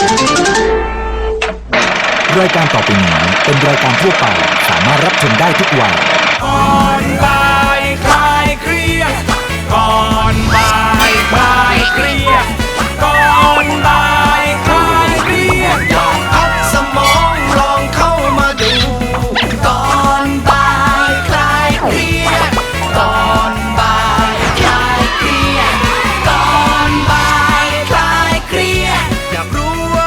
รายการต่อไปนี้เป็นรายการทั่วไปสามารถรับชมได้ทุกวัยก่อนบ่ายคลายเครียดก่อนบ่ายคลายเครียดก่อนบ่ายคลายเครียดลองพักสมองลองเข้ามาดูก่อนบ่ายคลายเครียดก่อนบ่ายคลายเครียดก่อนบ่ายคลายเครียดอยากรู้ว่า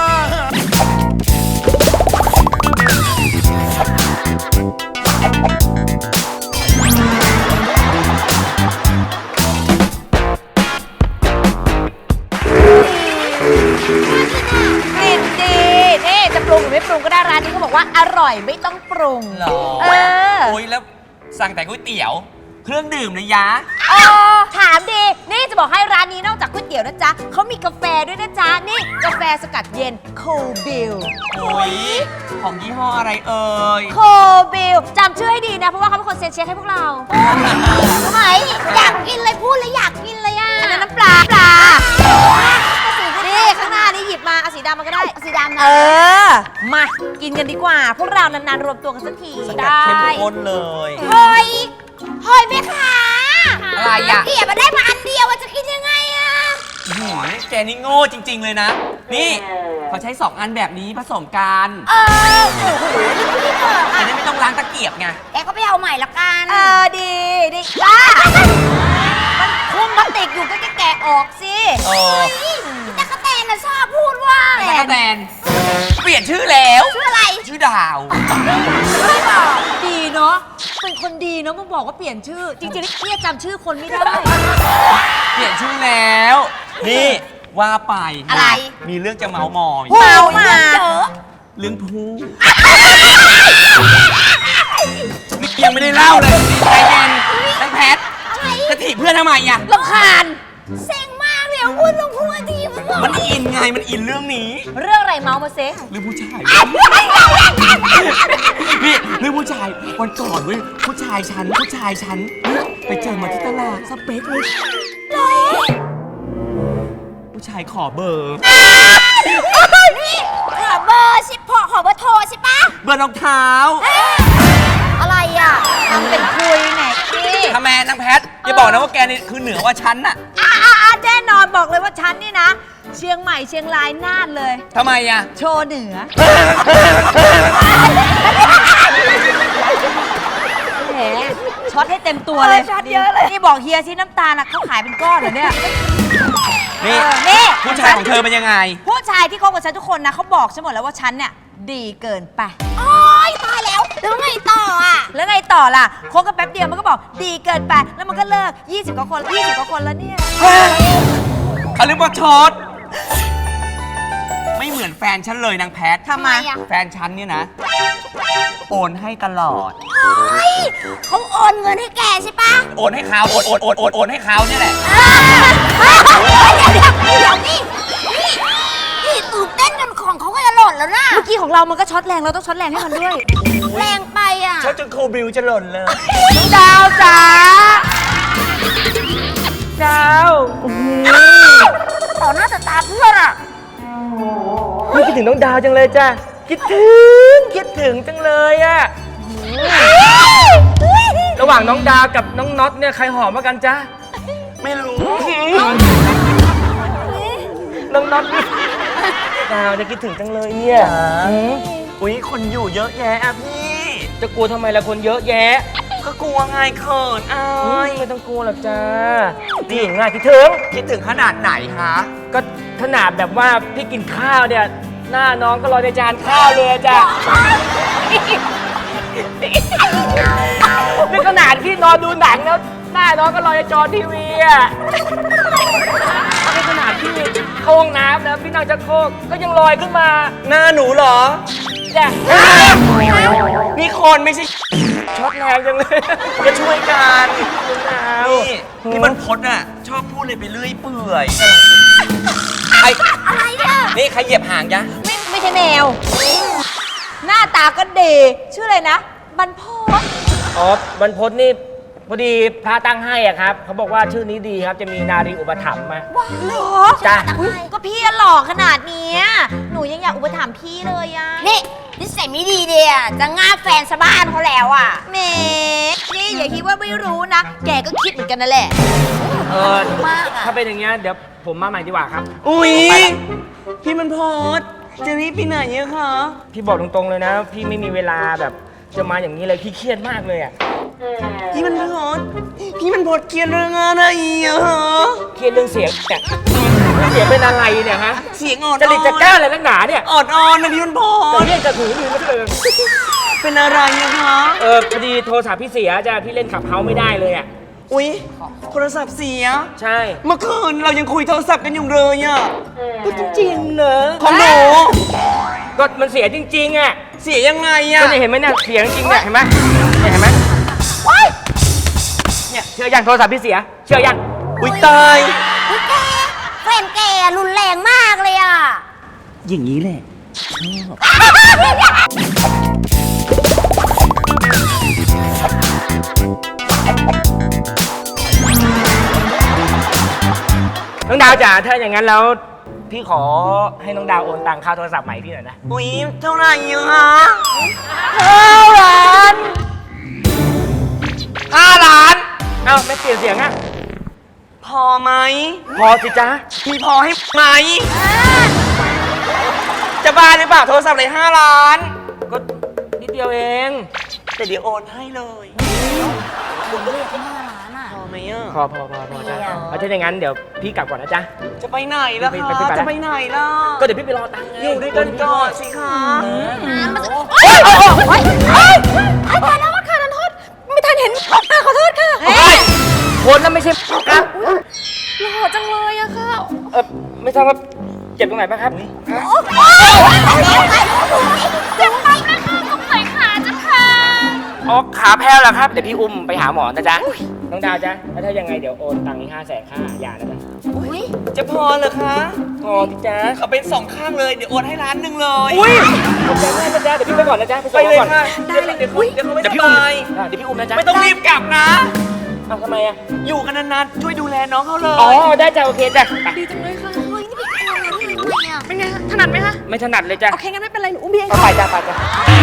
กลิ่นดีนี่จะปรุงหรือไม่ปรุงก็ได้ร้านนี้เขาบอกว่าอร่อยไม่ต้องปรุงหรอ โอ้ยแล้วสั่งแต่ก๋วยเตี๋ยว เครื่องดื่มนะยะถามดี นี่จะบอกให้ร้านนี้นอกจากก๋วยเตี๋ยวนะจ๊ะเขามีกาแฟด้วยนะจ๊ะ นี่กาแฟสกัดเย็นโคบิลโอ้ยของยี่ห้ออะไรเอ่ยโคบิลจำชื่อให้ดีนะ เพราะว่าเขาเป็นคนเซ็นเช็คให้พวกเราทำไมอยากกินเลยพูดเลยอยากกินเลยอ่ะอันนั้นน้ำปลานี่ข้างหน้านี่หยิบมาเอาสีดำมาก็ได้สีดำนะมากินกันดีกว่า พวกเรานานๆรวมตัวกันสักทีสกัดเข้มข้นเลยเฮ้ยเฮ้ยแม่ค้าอะไรอ่ะเกียบมาได้มาอันเดียวจะกินยังไงอ่ะแกนี่โง่จริง ๆ เลยนะ นี่เขาใช้2อันแบบนี้ผสมกันโอ้โหพี่เถอะจะได้ไม่ต้องล้างตะเกียบไงแกก็ไปเอาใหม่ละกันดีจ้ามันคุ้มพลาสติกอยู่ก็แกะออกสิเออพี่ตั๊กแตนน่ะชอบพูดว่าตะกะแตนเปลี่ยนชื่อแล้วชื่ออะไรชื่อดาวไม่บอกดีเนาะเป็นคนดีเนาะมึงบอกว่าเปลี่ยนชื่อ จริงๆเนี่ยจำชื่อคนไม่ได้เปลี่ยนชื่อแล้ว นี่ว่าไปอะไรมีเรื่องจะเมาส์มอยเมามาเจอเรื่องผู้นี่ยังไม่ได้เล่าเลยใจเย็นทั้งแพทจะถีบเพื่อนทำไมอ่ะรำคาญเซ็งมากเลยพูดลงพูดทีมันบอกมันอินไง มันอินเรื่องนี้เรื่องอะไรเมาส์มาเซเรื่องผู้ชาย นี่เรื่องผู้ชาย วันก่อนเว้ย ผู้ชายฉันไปเจอมาที่ตลาดสเปคเลย ผู้ชายขอเบอร์นี่ขอเบอร์สิขอเบอร์โทรใช่ปะเบอร์รองเท้าอะไรอ่ะทำเป็นคุยแหนพี่ทำไมนางแพทอย่าบอกนะว่าแกนี่คือเหนือกว่าฉันน่ะแน่นอนบอกเลยว่าฉันนี่นะ เชียงใหม่เชียงรายน่านเลยทำไมอ่ะโชว์เหนือแหมช็อตให้เต็มตัวเลยช็อตเยอะเลยนี่บอกเฮียซิน้ำตาลเขาขายเป็นก้อนเหรอเนี่ยนี่นี่ผู้ชายของเธอเป็นยังไงผู้ชายที่คบกับฉันทุกคนนะเขาบอกฉันหมดแล้วว่าฉันเนี่ยดีเกินไปโอ๊ยตายแล้วแล้วไงต่ออ่ะแล้วไงต่อล่ะคบกันแป๊บเดียวมันก็บอกดีเกินไป แล้วมันก็เลิก 20 กว่าคนแล้วเนี่ยเขาเรียกว่าช็อต ไม่เหมือนแฟนฉันเลยนางแพททำไมอ่ะแฟนฉันเนี่ยนะ โอนให้ตลอดเฮ้ยเขาโอนเงินให้แกใช่ปะโอนให้เขาโอนให้เขาเนี่ยแหละเดี๋ยวนี่นี่ตื่นเต้นจนของเขาก็จะหล่นแล้วนะเมื่อกี้ของเรามันก็ช็อตแรงเราต้องช็อตแรงให้มันด้วยแรงไปอ่ะช็อตจนโคบิวจะหล่นเลยดาวจ๋าดาวต่อหน้าต่อตาเพื่อนอ่ะคิดถึงน้องดาวจังเลยจ้ะ คิดถึงจังเลยอะระหว่างน้องดาวกับน้องน็อตเนี่ยใครหอมมากกันจ๊ะไม่รู้น้องน็อตดาวจะคิดถึงจังเลยเนี่ยอุ้ยคนอยู่เยอะแยะอะพี่จะกลัวทำไมล่ะคนเยอะแยะก็กลัวไงเขินอายไม่ต้องกลัวหรอกจ้านี่ง่ายคิดถึงคิดถึงขนาดไหนคะก็ขนาดแบบว่าพี่กินข้าวเนี่ย หน้าน้องก็ลอยในจานข้าวเลยจ้ะนี่ขนาดพี่นอนดูหนังแล้วหน้าน้องก็ลอยในจอทีวีอ่ะนี่ขนาดพี่เข้าห้องน้ำนะพี่นั่งชักโครกก็ยังลอยขึ้นมาหน้าหนูเหรอจ้ะนี่คนไม่ใช่ช็อตแรงจังเลยจะช่วยกันดาวนี่นี่มันพดอ่ะ ชอบพูดเลยไปเรื่อยเปื่อยไออะไรเนี่ยนี่ใครเหยียบหางยะไม่ใช่แมว หน้าตาก็ดีชื่ออะไรนะบรรพตอ๋อบรรพตนี่พอดีพระตั้งให้อ่ะครับเขาบอกว่าชื่อนี้ดีครับจะมีนารีอุปถัมภ์มาเหรอจ้ะอุ๊ยก็พี่หล่อขนาดเนี้ยหนูยังมาถามพี่เลยอะนี่นิสัยไม่ดีเดียจะง่าบแฟนชาวบ้านเขาแล้วอ่ะเมนี่อย่าคิดว่าไม่รู้นะ แกก็คิดเหมือนกันนั่นแหละมากอะถ้าเป็นอย่างเงี้ยเดี๋ยวผมมาใหม่ดีกว่าครับอุ๊ย พี่มันโพสต์จะรีบไปไหนอะคะพี่บอกตรงๆเลยนะ พี่ไม่มีเวลาแบบจะมาอย่างนี้เลยพี่เครียดมากเลยอ่ะพี่มันโพสต์เกลียดเรื่องอะไรอะฮะเครียดเรื่องเสียงเนี่ยเสียงเป็นอะไรเนี่ยฮะเสียงอ่อนจะหลีกจะกล้าอะไรนักหนาเนี่ยอ่อนนะพี่มันโพจะสต์เรียกจะถือมือมาเลยเป็นอะไรอะคะพอดีโทรศัพท์พี่เสียจ้ะพี่เล่นขับเฮาไม่ได้เลยอ่ะอุ๊ยโทรศัพท์เสียใช่เมื่อคืนเรายังคุยโทรศัพท์กันอยู่เลยอะก็จริงๆเนอะของหนูก็มันเสียจริงๆอ่ะเสียยังไงอะก็เนี่ยเห็นไหมเนี่ยเสียงจริงเนี่ยเห็นไหมเนี่ยเห็นไหมเนี่ยเชื่อยังโทรศัพท์พี่เสีย เชื่อยังอุ๊ยตายอุ๊ยแกแฟนแกรุนแรงมากเลยอ่ะอย่างนี้แหละน้องดาวจ๋าถ้าอย่างนั้นแล้วพี่ขอให้น้องดาวโอนตังค่าโทรศัพท์ใหม่พี่หน่อยนะอุ๊ยเท่าไหร่อะคะ 5 ล้าน เอ้าไม่เปลี่ยนเสียงอ่ะพอไหมพอสิจ๊ะพี่พอให้ไหม จะบ้าหรือเปล่าโทรศัพท์เลย5 ล้านก็นิดเดียวเองแต่เดี๋ยวโอนให้เลยพอไหมอ่ะพอจ้ะเอาถ้าอย่างนั้นเดี๋ยวพี่กลับก่อนนะจ๊ะจะไปไหนล่ะไปคะไปไปจะไปไหนล่ะก็เดี๋ยวพี่ไปรอตังค์ไงอยู่ด้วยกันก่อนสิคะตายแล้วว่าค่ะนันโทษไม่ทันเห็นขอโทษค่ะคนนั้นไม่ใช่ครับหล่อจังเลยอะค่ะไม่ทราบว่าเจ็บตรงไหนบ้างครับฮะจะไปนะคะตรงไหนขาจะค่ะอ๋อขาแพ้วแล้วครับ เดี๋ยวพี่อุ้มไปหาหมอนะจ๊ะ น้องดาวจ๊ะแล้วถ้ายังไงเดี๋ยวโอนตังค์นี้500,000ค่ายานะจ๊ะจะพอเหรอคะพอพี่จ๊ะเขาเป็น2 ข้างเลยเดี๋ยวโอนให้1 ล้านเลยอุ้ยขอบใจมากนะจ๊ะเดี๋ยวพี่ไปก่อนนะจ๊ะไปส่งเลยก่อนค่ะได้เลยเดี๋ยวเขาไม่เดี๋ยวสพี่อุ้มบายเดี๋ยวพี่อุ้มนะจ๊ะไม่ต้องรีบกลับนะเอาทำไมอ่ะอยู่กันนานๆช่วยดูแลน้องเขาเลยอ๋อได้จ้ะโอเคจ้ะไปดีจังเลยค่ะเฮ้ยนี่ไปเอาอะไรที่ไหนอ่ะเป็นไงคะถนัดไหมคะไม่ถนัดเลยจ้ะโอเคงั้นไม่เป็นไรหนูอุ้มพี่เองเอาไปจ้ะไปจ้ะ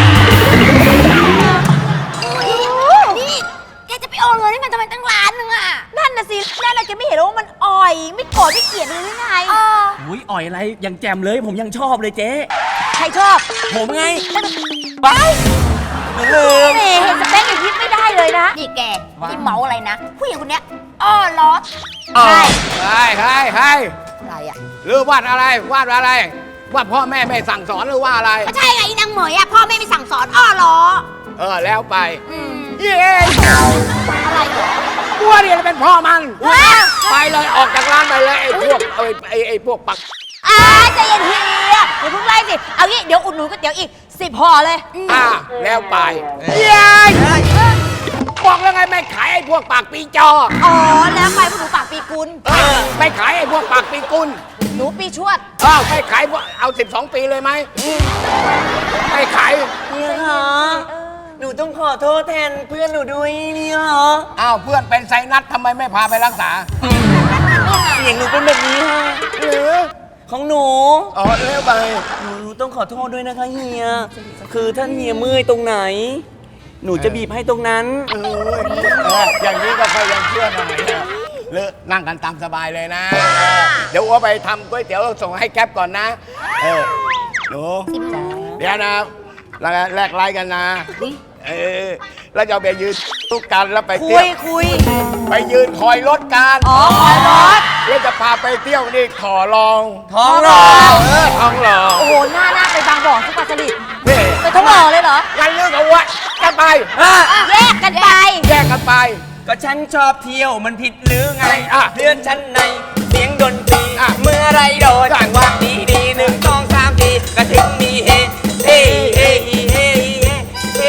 นี่แกจะไปโอนเงินให้มันทำไมตั้งล้านนึงอ่ะนั่นน่ะสินั่นน่ะแกไม่เห็นว่ามันอ่อย ไม่โกรธไม่เกลียดเลยหรือไงอุ้ยอ่อยอะไรยังแจมเลยผมยังชอบเลยเจ๊ใครชอบผมไงไปเมเห็นสเปคอย่างนี้ไม่ได้เลยนะนี่แกที่เมาอะไรนะ ผู้หญิงคนเนี้ยอ้อล้อใช่ใช่อะไรอ่ะหรือวาดอะไรวาดอะไรว่าพ่อแม่ไม่สั่งสอนหรือว่าอะไรก็ใช่ไงอีนางเหมยอ่ะพ่อแม่ไม่สั่งสอนอ้อล้อแล้วไป เย้อะไรเหรอบัวเนี่ยเป็นพ่อมันไปเลยออกจากร้านไปเลยไอ้พวกไอ้พวกปักใจเย็นเฮียอย่าเพิ่งไล่สิ เอางี้เดี๋ยวอุดหนุนก๋วยเตี๋ยวอีก10 ห่อเลยแล้วไปเย้บอกแล้วไงไม่ขายไอ้พวกปากปีจออ๋อ แล้วไปพวกหนูปากปีกุลไม่ขายไอ้พวกปากปีกุลหนูปีชวดไม่ขายพวกเอา12 ปีเลยไหมไม่ขายเนี่ยค่ะหนูต้องขอโทษแทนเพื่อนหนูด้วยเนี่ยเหรอเพื่อนเป็นไซนัสทำไมไม่พาไปรักษาเสียงหนูเป็นแบบนี้ค่ะหรือของหนูแล้วไปหนูต้องขอโทษด้วยนะคะเฮีย คือถ้าเฮียเมื่อยตรงไหน หนูจะบีบให้ตรงนั้นอย่างนี้ก็ค่อยยังเชื่อหน่อยนะเลอะนั่งกันตามสบายเลยนะ เดี๋ยวอัวไปทำก๋วยเตี๋ยวส่งให้แก๊ปก่อนนะหนูเดี๋ยวนะแลกไลน์กันนะแล้วจะไปยืนทุกกันแล้วไปเที่ยวคุยไปยืนคอยรถกันอ๋อคอยรถแล้วจะพาไปเที่ยวนี่ขอลองท้องหล่อท้องหล่อโอ้โห หน้าไปบางบ่อทุกปลาสลิดนี่ไปท้องหล่อเลยเหรองั้นเรื่องกับอัวกันไปแยกกันไปแยกกันไปก็ฉันชอบเที่ยวมันผิดหรือไงเพื่เพื่อนฉันในเสียงดนตรีเมื่อไรโดนจังหวะดีดี1 2 3 ทีก็ถึงมีเฮเฮเฮเฮเฮเฮ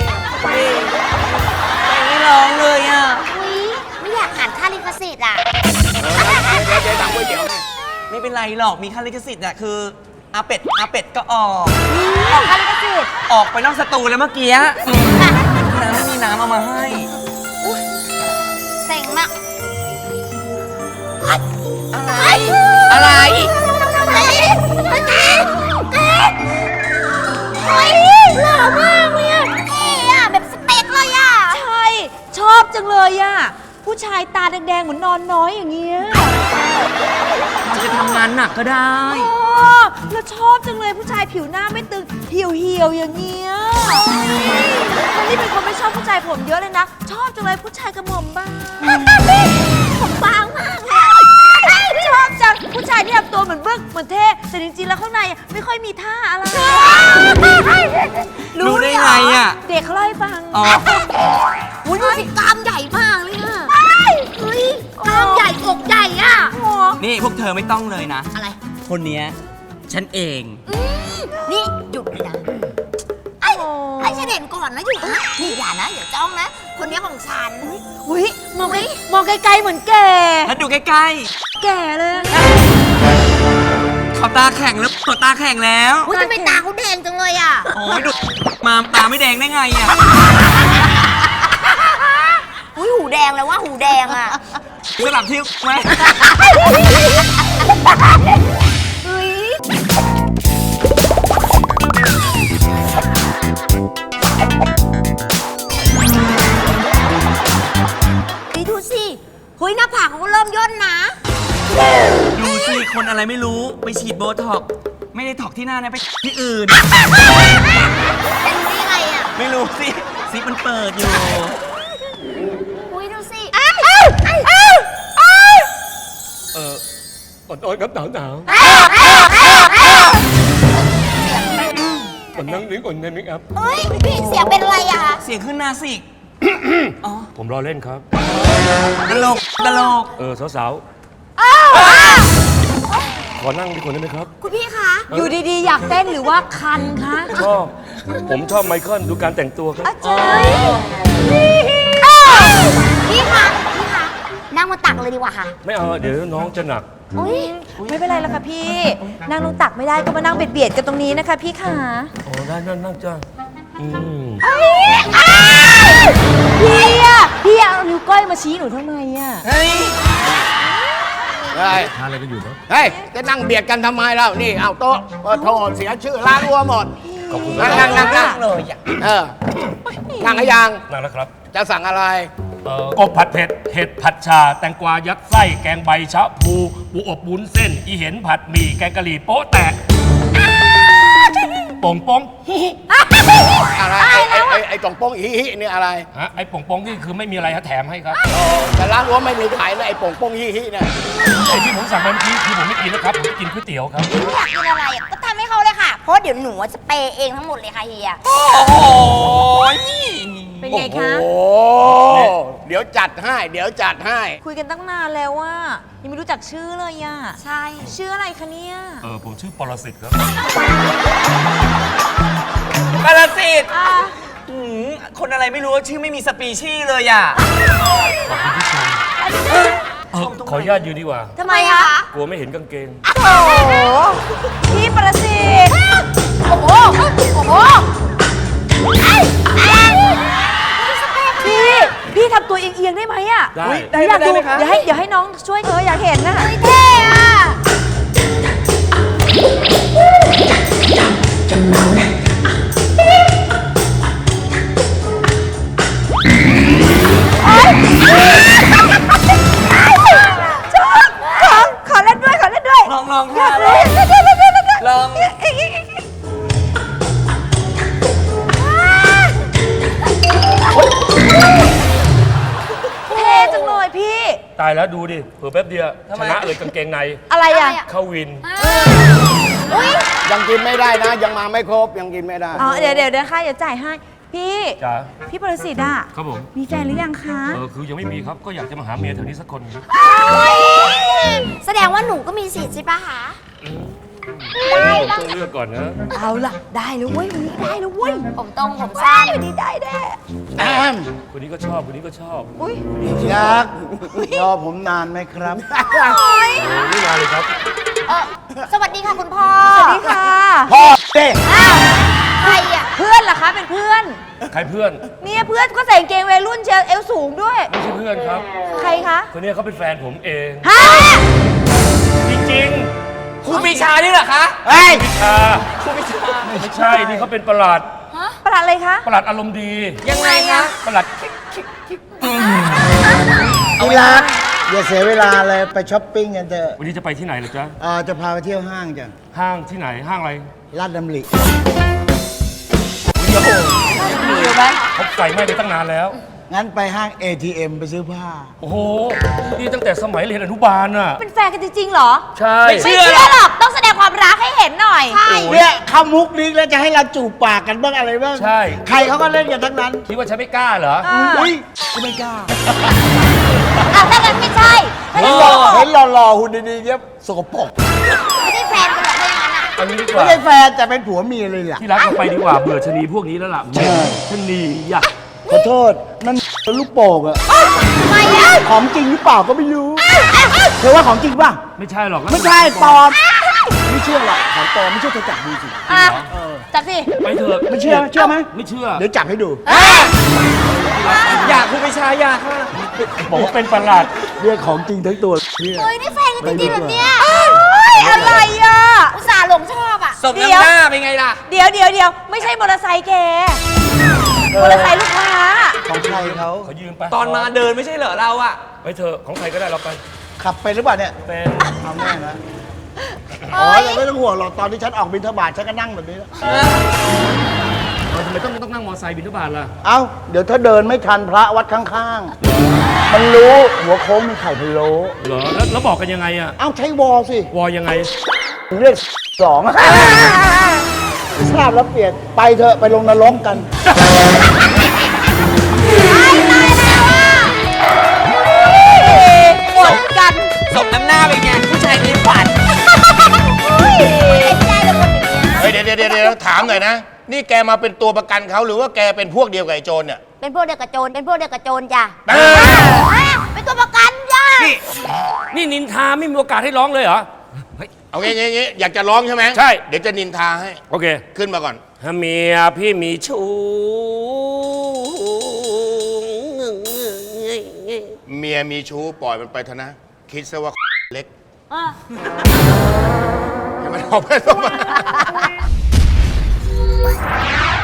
ไม่ร้องเลยอ่ะอุ๊ยไม่อยากอ่านค่าลิขสิทธิ์อ่ะเดี๋ยวทำก๋วยเตี๋ยวให้ไม่เป็นไรหรอกมีค่าลิขสิทธิ์อ่ะคืออาเป็ดก็ออกออกค่าลิขสิทธิ์ออกไปนอกสตูแล้วเมื่อกี้น้ำไม่มีน้ำเอามาให้เซ็งมากอะไร อะไรเต้นเฮ้ยหล่อมากเลยอ่ะเท่อะแบบสเปคเลยอ่ะใช่ ชอบจังเลยอะผู้ชายตาแดงๆเหมือนนอนน้อยอย่างเงี้ยอาจจะทำงานหนักก็ได้อ๋อแล้วชอบจังเลยผู้ชายผิวหน้าไม่ตึงเหี่ยวๆอย่างเงี้ยแล้วนี่เป็นคนไม่ชอบผู้ชายผมเยอะเลยนะ ชอบจังเลยผู้ชายกระหม่อมบ้างผมบางมากเลยอะชอบจังผู้ชายที่ทำตัวเหมือนบึกเหมือนเท่แต่จริงๆแล้วข้างในไม่ค่อยมีท่าอะไรรู้ได้ไงอะเด็กเขาเล่าให้ฟังอ๋ออุ้ยดูสิกล้ามใหญ่มากเลยอ่ะเฮ้ยกล้ามใหญ่อกใหญ่อ่ะนี่พวกเธอไม่ต้องเลยนะอะไรคนเนี้ยฉันเองนี่หยุดเลยนะไอ้ฉันเห็นก่อนนะหยุดนะนี่อย่านะอย่าจ้องนะ คนนี้ของฉันอุ้ยมองไกลๆเหมือนแก่แล้วดูใกล้แก่เลยๆเขาตาแข็งแล้วเขาตาแข็งแล้วอุ้ยทำไมตาเขาแดงจังเลยอ่ะโอ้ยดูมาตาไม่แดงได้ไงอ่ะอุ้ยหูแดงแล้วว่าหูแดงอ่ะสลับที่ไหมเฮ้ยนี่ดูสิเฮ้ยหน้าผากเขาก็เริ่มย่นนะดูสิคนอะไรไม่รู้ไปฉีดโบท็อกซ์ไม่ได้ถอกที่หน้านะไปที่อื่นเป็นได้ยังไงอ่ะไม่รู้สิซิปมันเปิดอยู่อุ้ยดูสิอดๆครับหนาวๆผมนั่งดิ้งก่อนได้ไหมครับเฮ้ยพี่เสียงเป็นอะไรอ่ะเสียงขึ้นนาสิกผมรอเล่นครับตลกตลกสาวๆ ขอนั่งดีกว่าได้ไหมครับคุณพี่คะอยู่ดีๆ อยากเต้นหรือว่าคันคะชอบ ผมชอบไมเคิลดูการแต่งตัวครับอาจารย์พี่คะนั่งมาตักเลยดีกว่าค่ะไม่เอา เดี๋ยวน้องจะหนักอุ๊ยไม่เป็นไรแล้วค่ะพี่ นั่งลงตักไม่ได้ก็มานั่งเบียดๆกันตรงนี้นะคะพี่ขาอ๋อ ได้นั่งจ้าอืมพี่เอานิ้วก้อยมาชี้หนูทำไมอ่ะเฮ้ยเฮ้ยทานอะไรกันอยู่ครับเฮ้ย จะนั่งเบียดกันทำไมแล้ว นี่ เอาโต๊ะโทษเสียชื่อร้านวัวหมดขอบคุณคนั่รังบนั่งเลยอ่ะเออ นั่งให้ยังนั่งแล้วครับจะสั่งอะไรกบผัดเผ็ด เห็ดผัดชา แตงกวายัดไส้ แกงใบชะพูปูอบวุ้นเส้น อีเห็นผัดหมี่ แกงกะหรี่โป๊ะแตกป่งป้งอะไร ไอ้ตองโป้งอีฮิเนี่ยอะไรฮะไอ้ป่งป้งนี่คือไม่มีอะไรฮะแถมให้ครับแต่ร้านวัวไม่มีขายนะไอ้โป่งโป้งฮิฮิเนี่ยไอ้ที่ผมสั่งมาเมื่อกี้คือผมไม่กินนะครับ ผมกินก๋วยเตี๋ยวครับอยากกินอะไรอ่ะก็ทำให้เขาเลยค่ะ เพราะเดี๋ยวหนูจะเปย์เองทั้งหมดเลยค่ะเฮียโอ้โหเป็นไงคะโอ้เดี๋ยวจัดให้ เดี๋ยวจัดให้คุยกันตั้งนานแล้วว่ายังไม่รู้จักชื่อเลยอ่ะใช่ชื่ออะไรคะเนี่ยผมชื่อปรสิตครับปรสิตคนอะไรไม่รู้ชื่อไม่มีสปีชีส์เลยอ่ะขอบคุณที่ชมขออนุญาตยืนดีกว่าทำไมคะกลัวไม่เห็นกางเกงโอ้โหพี่ประสิทธิ์โอ้โห โอ้โหพี่ทำตัวเอียงๆได้ไหมอ่ะได้อยากดูเดี๋ยวให้น้องช่วยเธออยากเห็นน่ะเท่อะขอเล่นด้วยขอเล่นด้วยลองค่ะลองเท่จังเลยพี่ตายแล้วดูดิ เผื่อแป๊บเดียวชนะเลยกางเกงในอะไรอ่ะเข้าวินยังกินไม่ได้นะ ยังมาไม่ครบ ยังกินไม่ได้อ๋อเดี๋ยวค่ะเดี๋ยวจ่ายให้ พี่จ๋าพี่ประสิทธิ์อ่ะครับผมมีแฟนหรือยังคะคือยังไม่มีครับ ก็อยากจะมาหาเมียแถวนี้สักคนครับแสดงว่าหนูก็มีสิทธิ์ใช่ปะคะผมต้องเลือกก่อนนะเอาล่ะได้แล้วเว้ยวันนี้ได้แล้วเว้ยผมตรงผมสั้นวันนี้ได้แน่คนนี้ก็ชอบ คนนี้ก็ชอบอุ้ยยักษ์รอผมนานไหมครับไม่นานเลยครับสวัสดีค่ะคุณพ่อสวัสดีค่ะพ่อเต้ใครอ่ะเพื่อนเหรอคะเป็นเพื่อนใครเพื่อนเนี่ยเพื่อนก็ใส่กางเกงวัยรุ่นเชียวเอวสูงด้วยไม่ใช่เพื่อนครับใครคะคนนี้เขาเป็นแฟนผมเองฮะจริงครูปีชานี่เหรอคะเฮ้ยๆวิชาครูปีชาไม่ใช่ นี่เขาเป็นประหลาดประหลาดอะไรคะประหลาดอารมณ์ดียังไงคะประหลาดที่รักอย่าเสียเวลาเลยไปช้อปปิ้งกันเถอะวันนี้จะไปที่ไหนเหรอจ๊ะจะพาไปเที่ยวห้างจ้ะห้างที่ไหน ห้างอะไรลาดดำริเขาไฟไหม้ไปตั้งนานแล้วงั้นไปห้าง ATM ไปซื้อผ้าโอ้โห นี่ตั้งแต่สมัยเรียนอนุบาลน่ะเป็นแฟนกันจริงๆเหรอใช่ไม่เชื่อหรอก ต้องแสดงความรักให้เห็นหน่อยเนี่ยเข้ามุกนี้แล้วจะให้เราจูบปากกันบ้างอะไรบ้างใช่ใครเขาก็เล่นกันทั้งนั้นคิดว่าฉันไม่กล้าเหรออุ้ยกูไม่กล้าอ่ะถ้างั้นไม่ใช่เห็นหล่อๆหุ่นดีๆเงี้ยสกปรกไม่ได้แฟนกันหรอกไม่อย่างนั้นอ่ะเอางี้ดีกไม่ว่าใช่แฟนแต่เป็นผัวเมียเลยล่ะที่รักเราไปดีกว่า เบื่อชะนีพวกนี้แล้วล่ะชะนีอยากขอโทษ นั่นลูกโป่งอะทำไมอ่ะของจริงหรือเปล่าก็ไม่รู้ เธอว่าของจริงป่ะไม่ใช่หรอกไม่ใช่ปลอม ไม่เชื่อหรอกของปลอมไม่เชื่อเธอจับดูสิอ่ะ จับสิไปเถอะไม่เชื่อไหมไม่เชื่อเดี๋ยวจับให้ดูอยากคุณพิชาอยากค่ะบอกว่าเป็นประหลาดเรียกของจริงทั้งตัวเนี่ยเฮ้ยได้แฟนกันจริงๆแบบเนี้ยอะไรอ่ะอุตส่าห์หลงชอบอ่ะสมน้ำหน้าเป็นไงล่ะเดี๋ยว ไม่ใช่มอเตอร์ไซค์แก มอเตอร์ไซค์ลูกค้าของใครเขาเขายืมไปตอนมาเดินไม่ใช่เหรอเราอะไปเถอะของใครก็ได้เราไปขับไปหรือเปล่าเนี่ยเป็นเอาแน่นะอ๋อแต่ไม่ต้องห่วงหรอกตอนที่ฉันออกบิณฑบาตฉันก็นั่งแบบนี้แล้วทำไมต้องนั่งมอไซค์บิณฑบาตล่ะเอ้าเดี๋ยวถ้าเดินไม่ทันพระวัดข้างๆ มันรู้หัวโค้งมีไข่พะโล้เหรอ แล้วบอกกันยังไงอะเอ้าใช้วอสิวอยังไงเรียกสองทราบแล้วเปลี่ยนไปเถอะไปลงนรกกันหมดกันสมน้ำหน้าเป็นไงผู้ชายในฝันเฮ้ยเดี๋ยวถามหน่อยนะ นี่แกมาเป็นตัวประกันเขาหรือว่าแกเป็นพวกเดียวกับไอ้โจรเนี่ยเป็นพวกเดียวกับโจร เป็นพวกเดียวกับโจรจ้ะเออเป็นตัวประกันจ้ะนี่นินทาไม่มีโอกาสให้ร้องเลยเหรอเอางี้อยากจะร้องใช่ไหมใช่เดี๋ยวจะนินทาให้โอเคขึ้นมาก่อนเมียพี่มีชู้เมียมีชู้ปล่อยมันไปเถอะนะ คิดซะว่าเล็กให้มันออกไป